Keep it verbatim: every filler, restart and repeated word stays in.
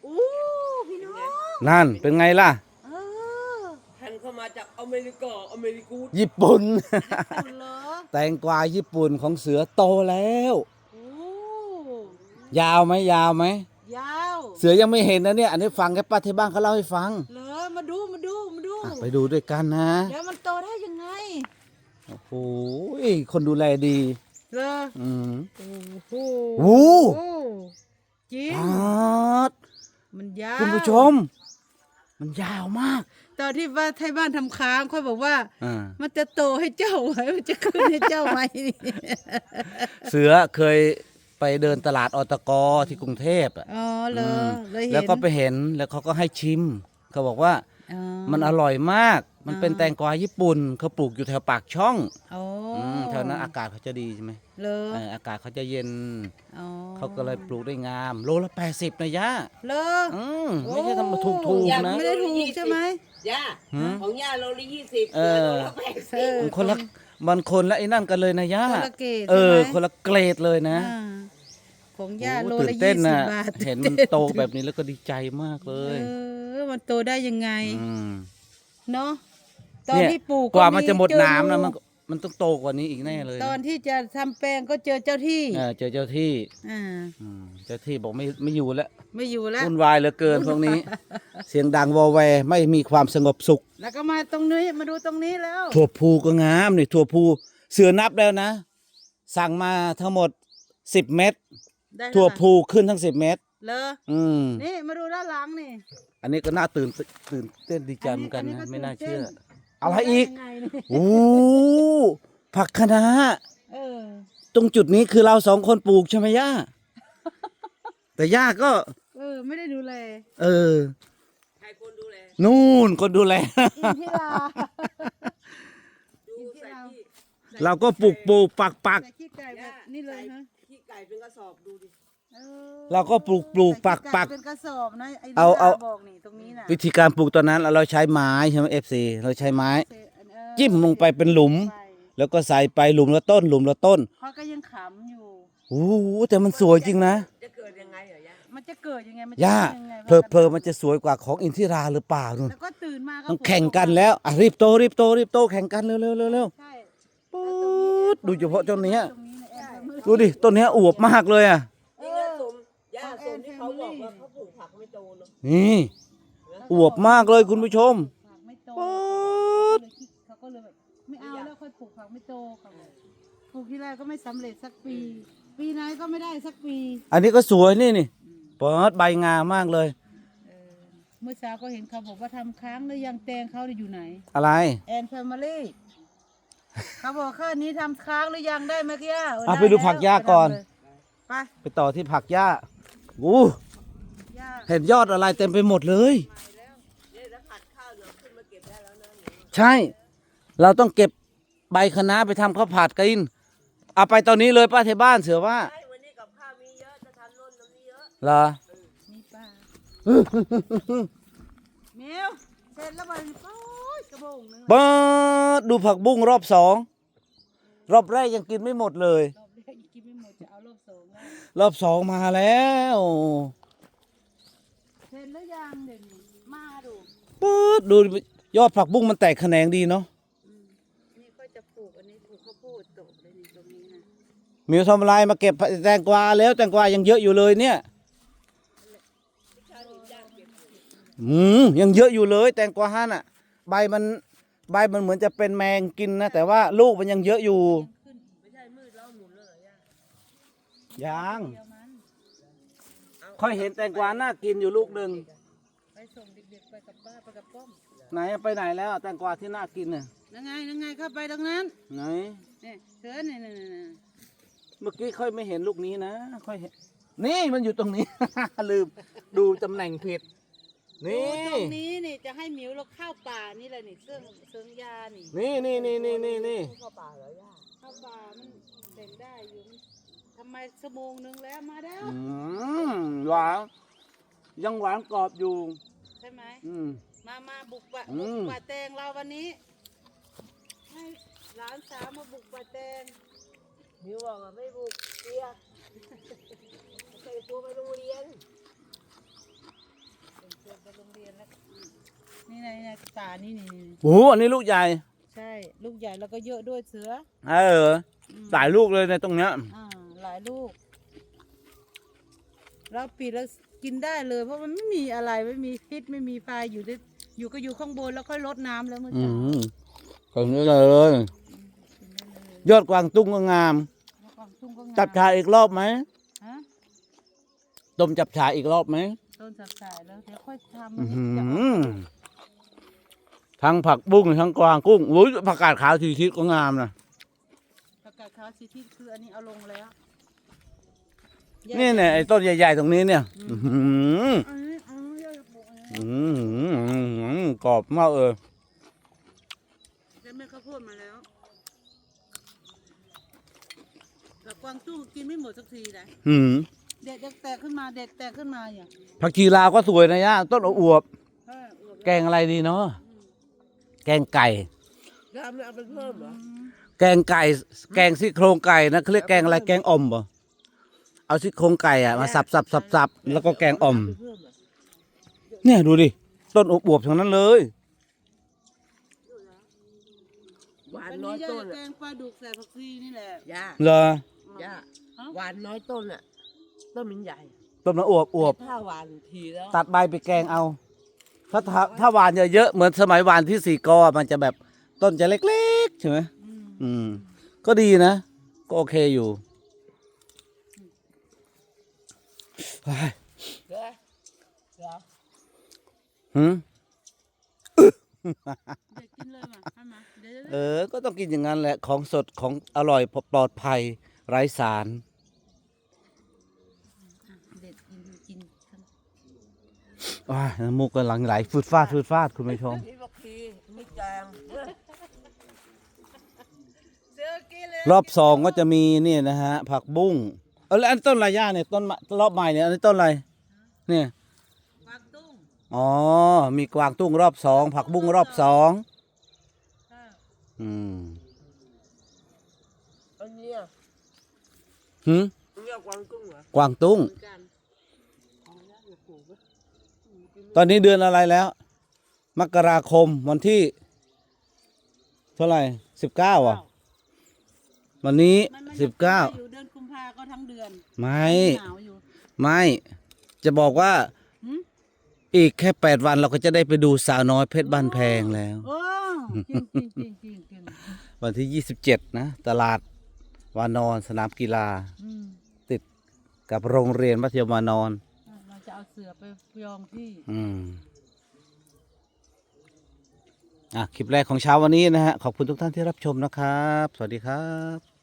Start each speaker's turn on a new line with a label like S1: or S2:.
S1: อู้พี่น้อง
S2: นั่นเป็นไงล่ะ
S1: เออ
S3: หันเข้ามาจากอเมริกาอเมริกูด
S2: ญี่ปุ่น
S1: คุณเหรอ
S2: แตงกวาญี่ปุ่นของเสือโตแล้ว
S1: โอ้
S2: ยาวไหมยาวไหม
S1: ยาว
S2: เสือยังไม่เห็นนะเนี่ยอันนี้ฟังแค่ป้าที่บ้านเขาเล่าให้ฟัง
S1: เหรอมาดูมาดูมาดู
S2: อ่ะไปดูด้วยกันนะ
S1: แล้วมันโตได้ยังไง
S2: โอ้โหคนดูแลดี
S1: เหรอ
S2: อืม
S1: โอ้โห
S2: โอ้
S1: จริง
S2: ปาด
S1: มันยาว
S2: คุณผู้ชม มันยาวมาก
S1: ตอนที่ว่าไทยบ้านทำค้างค่อยบอกว่า
S2: อ่า
S1: มันจะโตให้เจ้าไหมมันจะขึ้นให้เจ้าไหมนี่
S2: เสือเคยไปเดินตลาดอตกที่กรุงเทพอ่ะ
S1: อ๋อเหรอ
S2: ม
S1: เลยเห็น
S2: แล้วก็ไปเห็นแล้วเขาก็ให้ชิม เขาบอกว่า
S1: อ๋อ
S2: มันอร่อยมาก มันเป็นแตงกวาญี่ปุ่นเขาปลูกอยู่แถวปากช่อง
S1: อ๋อ
S2: มแถวนั้นอากาศเขาจะดีใช่ไหม
S1: เหรอ
S2: เอออากาศเขาจะเย็น
S1: อ๋อ
S2: เขาก็เลยปลูกได้งาม โลละแปดสิบนะย่า
S1: เหรอ
S2: อืมไม่ใช่ทำมาถูกถูก
S3: อย่า
S2: ๆนะ
S1: ไม่ได้ถูกใช่ไหม
S3: ย่า
S2: หืม
S3: ของย่าโลละยี่สิบ
S2: เออ
S3: โลละแปด
S1: เอ
S3: สิบ
S1: อ
S2: มันคนละมันคนละไอ้นั่นกันเลยนะย่า
S1: คนละเกรด
S2: เออ
S1: ใช่ไหม
S2: คนละเกรดเลยนะ
S1: อ่าของย่า
S2: โอ้
S1: โล
S2: ตื่
S1: ละ
S2: น
S1: ยี่
S2: เต้น
S1: สิบ
S2: นะ
S1: บาท
S2: เห็นมันโตแบบนี้แล้วก็ดีใจมากเลย
S1: เออมันโตได้ยังไง
S2: อืม
S1: เนาะตอน
S2: เนี่ย
S1: ที่ปลูก
S2: กว่ามันจะหมด
S1: เจอ
S2: น้ำนะ
S1: งู
S2: มันก็มันต้องโตกว่านี้อีกแน่เลย
S1: ตอน
S2: นะ
S1: ที่จะทำแปลงก็เจอเจ้าที่
S2: เออเจอเจ้าที่
S1: อ่า
S2: อืมเจ้าที่บอกไม่ไม่อยู่แล้ว
S1: ไม่อยู่แล้ว
S2: วุ่นวายเหลือเกินพวกนี้ เสียงดังวอแวร์ไม่มีความสงบสุข
S1: แล้วก็มาตรงนี้มาดูตรงนี้แล้ว
S2: ถั่วพูก็งามนี่ถั่วพูเสือนับแล้วนะ สั่งมาทั้งหมดสิบเม็ด
S1: ได้
S2: ถั่ว
S1: เท่าไหร่
S2: พูขึ้นทั้งสิบเม็ด
S1: เลอ
S2: อืม
S1: นี่มาดูด้านหลังนี่
S2: อันนี้ก็น่าตื่นตื่นเต้นดีใจเหมือนกัน
S1: อันนี้
S2: นะ
S1: อันนี้ก็
S2: ไม่น่า
S1: ตื่นเต้น
S2: เชื่อ อะไรอีก
S1: ด้ยังไงนี่
S2: โอ้ผักคะน้า
S1: เออ
S2: ตรงจุดนี้คือเราสองคนปลูกใช่ไหมย่า แต่ย่าก็
S1: เออไม่ได้ดูแล
S2: เออ
S3: ใครคนดูแล
S2: นู่นคนดูแล
S1: อินทิรา
S3: ดู
S1: อินทิ
S3: ใส่
S1: รา
S3: ที่
S2: เราก็ปลูกปลูกปักปัก
S1: ใส่ขี้ไก่แบบนี่เลยฮะ
S3: ขี้ไก่เป็นกระสอบดูดิ
S1: ออ
S2: เราก็ปลูกปลูกปักปัก
S1: ใส่ขี้ไเป็นกระสอบนะไอ้
S2: เอาเอา
S1: ดบอกนี่ตรงนี้น่ะ
S2: วิธีการปลูกตอนนั้นเราใช้ไม้ใช่ไหมเอฟซีเราใช้ไม้
S1: เออ
S2: จิ้มลงไปเป็นหลุม
S1: ไป
S2: แล้วก็ใส่ไปหลุมละต้น หลุมละต้น
S1: เขาก็ยังขำอยู่
S2: โอ้โหแต่มันสวยจริงนะ
S3: จะเกิดยังไงเหรอย่า
S1: มันจะเกิดยังไงมันจะ
S2: ย่า
S1: ป็นยังไง
S2: เพลอ
S1: ว่า
S2: เพลอมันจะสวยกว่าของอินทิราหรือเปล่านู่น
S1: แล้วก็ตื่นมาก็
S2: ต้องแข่งกันแล้วอ่ะรีบโตรีบโตรีบโตแข่งกันเร็วเร็วเร็วเร็ว
S1: ใช่
S2: ปุ๊ดดูเฉพาะต้นเนี้ย
S1: ตรงนี้นะแอนมือ
S2: ดูดิต้นเนี้ยอวบมากเลยอ่ะ
S3: นี่นะสมย่าสมที่เขาบอกว่าเขาปลูกผักไม่โตเนาะ
S2: นี่อวบมากเลยคุณผู้ชม
S1: ผักไม่โต
S2: ปุ๊ด
S1: เขาก็เลยแบบไม่เอาแล้วค่อยปลูกผักไม่โตเขาบอกปลูกที่แรกก็ไม่สำเร็จสักปี ปีไหนก็ไม่ได้สักปี
S2: อันนี้ก็สวยนี่นี่เปิดใบงามมากเลย
S1: เออเมื่อเช้าก็เห็นเขาบอกว่าทำค้างแล้วยังแตงเขาเนี่ยอยู่ไหน
S2: อะไร
S1: แอนแฟมิลี่เขาบอกแค่นี้ทำค้างหรือยังได้ไหมกี้ย่าเออ
S2: อ่ะ
S1: ด้
S2: ไปดูผักหญ้าก่อน
S1: ไป
S2: ไปต่อที่ผักหญ้าอู้
S1: ย่า
S2: เห็นยอดอะไรเต็มไปหมดเลย
S3: เนี่ยถ้าผัดข้าวเดี๋ยวขึ้นมาเก็บได้แล้วนะหนู
S2: ใช่ เราต้องเก็บใบคะน้าไปทำข้าวผัดกินเอาไปตอนนี้เลยป้าเทบ้านเสือว่า
S3: ใช่วันนี้กับข้าวมีเยอะจะทำโน่นทำนี่เยอะ
S2: เหรอ
S1: มีปลาเมียวเสร็จแล้วมันโอ้ยกระบงหนึง
S2: เปิดดูผักบุ้งรอบสองรอบแรกยังกินไม่หมดเลย
S1: รอบแรกกินไม่หมดจะเอารอบสองแล้ว
S2: รอบสองมาแล้ว
S1: เสร็จแล้วยังเดี๋ยวนี้มาดู
S2: ปื๊ดดูยอดผักบุ้งมันแตกแขนงดีเนาะ
S1: อืมนี่ก็จะปลูกอันนี้ปลูกข้าวโพดตกเลยนี่ตรงนี้นะ
S2: มิวทำอะไรมาเก็บแตงกวาแล้วแตงกวายังเยอะอยู่เลยเนี่ยอืมยังเยอะอยู่เลย แตงกวาฮะน่ะ ใบมันใบมันเหมือนจะเป็นแมงกินนะแต่ว่าลูกมันยังเยอะอยู่
S1: ขึ้น
S3: ไม่ใช่มืดแล้วหมุนเลยเหรอย่า
S2: ยัง
S1: เดียวมัน
S2: ค่อยเห็นแตงกวาน่ากินอยู่ลูกหนึ่ง
S1: ไปส่งเด็กๆไปกับป้าไปกับป้อม
S2: ไหนไปไหนแล้วแตงกวาที่น่ากินน่ะ
S1: นั่งไงนั่งไงเข้าไปตรงนั้น
S2: ไหน
S1: นี่เสือนี่นี่นี่นี่
S2: เมื่อกี้ค่อยไม่เห็นลูกนี้นะค่อยเห็นนี่มันอยู่ตรงนี้ ลืมดูตำแหน่งผิด นี่
S1: ตรงนี้นี่จะให้หมิวเราเข้าป่านี่แหละนี่เสื่องเสื่องยานี่
S2: นี่นี่นี่นี่นี่นี่
S3: เข้าป่าเหรอย่า
S1: เข้าป่ามันเด็นได้อยู่มันทำไมชั่วโมงนึงแล้วมาแล้ว
S2: อืมหวานยังหวานกรอบอยู่
S1: ใช่ไหม
S2: อืม
S1: มามาบุกป่า
S2: อื
S1: บุ
S2: ม
S1: กป่าแตงเราวันนี้ให้หลานสาวมาบุกป่าแตง
S3: มิวบอกว่าไม่บุกเรียกใส่ตัวไปโรงเรียน
S1: นี่ไงนี่ตานี่นี่
S2: โอ้โหอันนี้ลูกใหญ่
S1: ใช่ลูกใหญ่แล้วก็เยอะด้วยเสือ
S2: เออหลายลูกเลยในตรงเนี้ย
S1: อ่าหลายลูกเราปิดแล้วกินได้เลยเพราะมันไม่มีอะไรไม่มีพิษไม่มีไฟอยู่ได้อยู่ก็อยู่ข้างบนแล้วค่อยลดน้ำแล้วเมื่อ
S2: อื
S1: เช้าม
S2: ตรงนี้เลย
S1: กินได้เลย
S2: ยอดกวางตุ้งก็งาม
S1: แล้วกวางตุ้งก็งาม
S2: จับฉ่ายอีกรอบไหม
S1: ฮะ
S2: ต้มจับฉ่ายอีกรอบไหม
S1: ต้นสับสายแล้วเดี๋ยวค่อยทำ
S2: อื้อหื
S1: จะ
S2: อทั้งผักบุ้งทั้งกวางกุ้งโอ้ยผักกาดขาวทีทิศก็งามนะ
S1: ประกาศขาวสีที่คืออันนี้เอาลงแล้ว
S2: นี่เนี่ยไอ้ต้นใหญ่ๆตรงนี้เนี่ยอื้อหือ
S1: อันนี้อันนี้ยอดปลูกอันนี้
S2: อื้อหือกรอบมากเออ
S1: แล้วแม่ข้าวโพดมาแล้วแต่กวางตุ้งกินไม่หมดสักทีนะ
S2: หืม
S1: เด็ดแตกขึ้นมาเด็ดแตกขึ้นมาอย่าง
S2: ผักชีลาวก็สวยนะย่าต้นอวบ
S1: เอออวบ
S2: ๆแกงอะไรดีเนาะแกงไก่
S3: ยาไม่เอาไปเพิ่มเหรอ
S1: อืม
S2: แกงไก่ แกงซี่โครงไก่นะเขาเรียกแกงอะไรแกงอ่อมป่ะเอาซี่โครงไก่อะมาสับสับสับสับแล้วก็แกงอ่อม
S3: ไปเพิ่มเหรอ
S2: เนี่ยดูดิต้นอวบๆทั้งนั้นเลย
S3: หวาน
S1: อัน
S3: น้อ
S1: นี้
S3: ย
S1: ย่า
S3: ต้น
S1: จะแก
S3: อ่ะ
S1: งปลาดุกใส่ผักชีนี่แหละ
S3: ยา
S2: เหรอ
S3: ย่า
S1: เอ้า
S3: หวานน้อยต้นอ่ะต้นมันใหญ่
S2: ต้นมันอวบอวบ
S3: ถ้าหวานทีแล้ว
S2: ตัดใบไปแกงเอา ถ้าถ้าถ้าหวานเยอะๆเหมือนสมัยหวานที่สี่กอมันจะแบบต้นจะเล็กๆใช่ไหม
S1: อืม
S2: อืม ก็ดีนะ ก็โอเคอยู่เฮ้ย
S3: เดี๋ยวเดี๋ยว
S2: หืม
S1: เด็ดกินเลยมาให้มาเดี๋ยว
S2: เออ ก็ต้องกินอย่างนั้นแหละ ของสดของอร่อยปลอดภัย ไร้สาร
S1: เด็ดกินกินกัน
S2: ว้ายน้ำมูกกำลังไหลฟืดฟาดฟืดฟาดคุณผู้ชม
S3: นี่บักทีไม่แกง
S1: เสือกินเลย
S2: รอบสองก็จะมีเนี่ยนะฮะ ผักบุ้งเออแล้วอันต้นอะไรย่าเนี่ยต้นมะรอบใหม่เนี่ยอันนี้ต้นอะไรเนี่ย
S1: กวางตุ้ง
S2: อ๋อ มีกวางตุ้งรอบสองผักบุ้งรอบสอง
S1: ค่ะ
S2: อืม
S3: อันเนี้ย
S2: หืม
S3: อันเนี้ยกวางกุ้งเหรอก
S2: วางตุ้ง
S3: เหมือนกันอ๋อแล้วอย่าปลูกไว้
S2: ตอนนี้เดือนอะไรแล้ว มกราคมวันที่ เท่าไหร่สิบเก้าอ่ะ วันนี้
S1: มันมัน
S2: สิบเก้า
S1: อยู่เดือนกุมภาก็ทั้งเดือน
S2: ไม่
S1: หนาวอยู่
S2: ไม่ จะบอกว่า
S1: หืม
S2: อีกแค่แปดวันเราก็จะได้ไปดูสาวน้อยเพชรบ้านแพงแล้ว
S1: โอ้จริงจริงจริงจริงจริง
S2: วันที่ยี่สิบเจ็ดนะ ตลาดวานอนสนามกีฬา
S1: อืม
S2: ติดกับโรงเรียนมัธยมวานอน
S1: อ่ะเราจะเอาเสือไปยองที่
S2: อืม อ่ะ คลิปแรกของเช้าวันนี้นะฮะ ขอบคุณทุกท่านที่รับชมนะครับ สวัสดีครับ